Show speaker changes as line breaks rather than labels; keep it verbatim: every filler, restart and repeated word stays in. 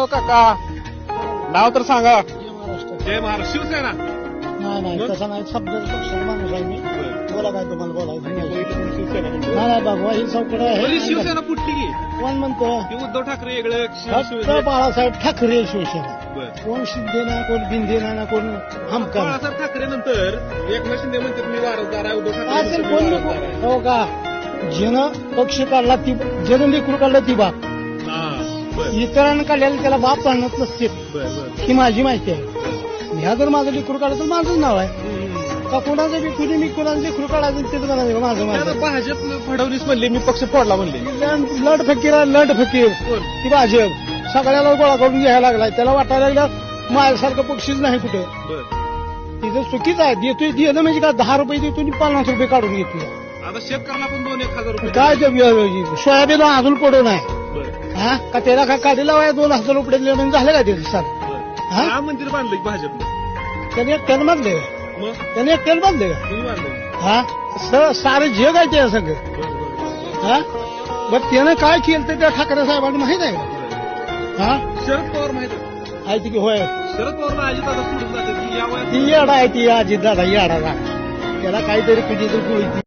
हो काका नाव तर सांगा.
महाराष्ट्र
जय महाराष्ट्र शिवसेना.
नाही नाही तसा नाही शब्दाचा पक्षाचा माणूस आहे मी. बोला काय तुम्हाला बोलायचं नाही
शिवसेना म्हणतो.
नाही बाबा ही चौकड
म्हणजे
आहे
शिवसेना फुटली की
कोण म्हणतो
की उद्धव ठाकरे वेगळं शिव-
फक्त
शिवसेना.
बाळासाहेब ठाकरे शिवसेना
बरं.
कोण शिंदे ना कोण बिंदे ना कोण हमका
बाळासाहेब ठाकरे नंतर एकनाथ शिंदे म्हणतात मी वारसदार आहे. उद्धव ठाकरे
असेल
म्हणतात,
कोण
मी वारसदार आहे.
हो का ज्यानं पक्ष काढला ती ज्यानं लेकरू काढलं ती बाप
हा, बरं,
इतरांना काढल्याला त्याला बाप आणत नसते
बरं, बरं.
ही माझी माहिती आहे. ह्या जर माझं लेकरू काढलं तर माझंच नाव आहे
हम्म.
का कोणाचं बी कुणी मी कोणाचं लेकरू काढायचं तेच म्हणायचं माझं
आता
माझं
भाजप फडणवीस म्हणले मी पक्ष फोडला म्हणले.
लढ फकीर आहे, लढ फकीर
कोण?
ती भाजप सगळ्याला गोळा करून घ्यायला लागलाय. त्याला वाटायला लागलं माझ्यासारखं पक्षीच नाही कुठं.
बरं.
तिथं चुकीचं आहे. देतोय दिलं म्हणजे का दहा रुपये देतो आणि पन्नास रुपये काढून घेतोय.
आता शेतकऱ्याला पण दोन एक हजार रुपये
काय ते बिया- सोयाबीन अजून पडून आहे
बरं,
हा का त्याला काय काढीला वाया दोन हजार रुपये दिले म्हणजे झालं का ते सर
बरं.
हा?
राम मंदिर बांधलं की भाजपनं.
त्याने एकट्यानं बांधले
मग
त्याने एकट्यानं बांधले का
कुणी बांधलं?
हा स- सारं जग आहे त्या सगळं
बरं, बरं, बरं.
हा बरं त्यानं काय केलं ते त्या ठाकरे साहेबांना माहित आहे का
बरं.
हा
शरद पवार माहित आहे.
आहे की होय
शरद पवारला अजित दादा सोडून जाते की या वयात
ती येडा आहे ती अजित दादा येडा त्याला काहीतरी कुठे तर